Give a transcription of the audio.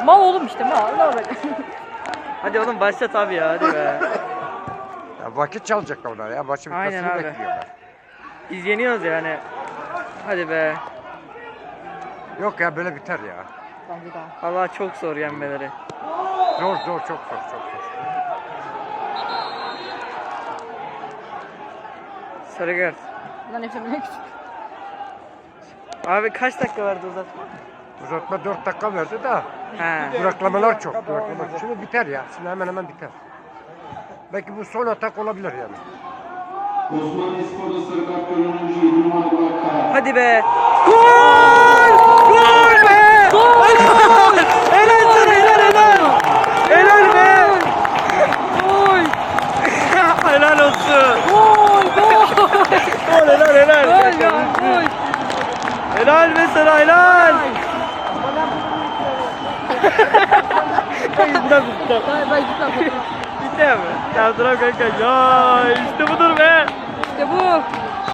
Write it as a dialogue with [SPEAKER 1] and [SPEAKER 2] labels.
[SPEAKER 1] Mal oğlum işte mal. Ne olacak?
[SPEAKER 2] Hadi oğlum başlat abi ya, hadi be.
[SPEAKER 3] Ya vakit çalacak onlar ya. Maçın
[SPEAKER 2] Aynen
[SPEAKER 3] bitmesini
[SPEAKER 2] abi.
[SPEAKER 3] bekliyorlar.
[SPEAKER 2] Biz yeniyoruz yani. Hadi be.
[SPEAKER 3] Yok ya böyle biter ya.
[SPEAKER 1] Bence daha.
[SPEAKER 2] Vallahi çok zor yenmeleri.
[SPEAKER 3] Zor zor çok zor çok zor.
[SPEAKER 2] Sarı kart.
[SPEAKER 1] Lan hepsi ne küçük.
[SPEAKER 2] Abi kaç dakika vardı uzatma?
[SPEAKER 3] Uzatma 4 dakika verdi de
[SPEAKER 2] He.
[SPEAKER 3] duraklamalar çok. Duraklama. Şimdi biter ya. Şimdi hemen hemen biter. Belki bu son atak olabilir yani.
[SPEAKER 4] Osmanlı Spor'da sarı kart gören oyuncu 7 numaralı Burak Kaya.
[SPEAKER 2] Hadi be. Gol! Gol be!
[SPEAKER 1] Gol!
[SPEAKER 2] Helal sana, helal. Helal be.
[SPEAKER 1] Gol!
[SPEAKER 2] Helal olsun.
[SPEAKER 1] Gol! Gol!
[SPEAKER 2] Gol, helal.
[SPEAKER 1] Gol ya! Gol!
[SPEAKER 2] Helal be sana, helal. Yüzünden tuttum.
[SPEAKER 1] Ben gitmem.
[SPEAKER 2] Bitti mi? Ya duram kanka. Ya işte budur be.
[SPEAKER 1] İşte bu.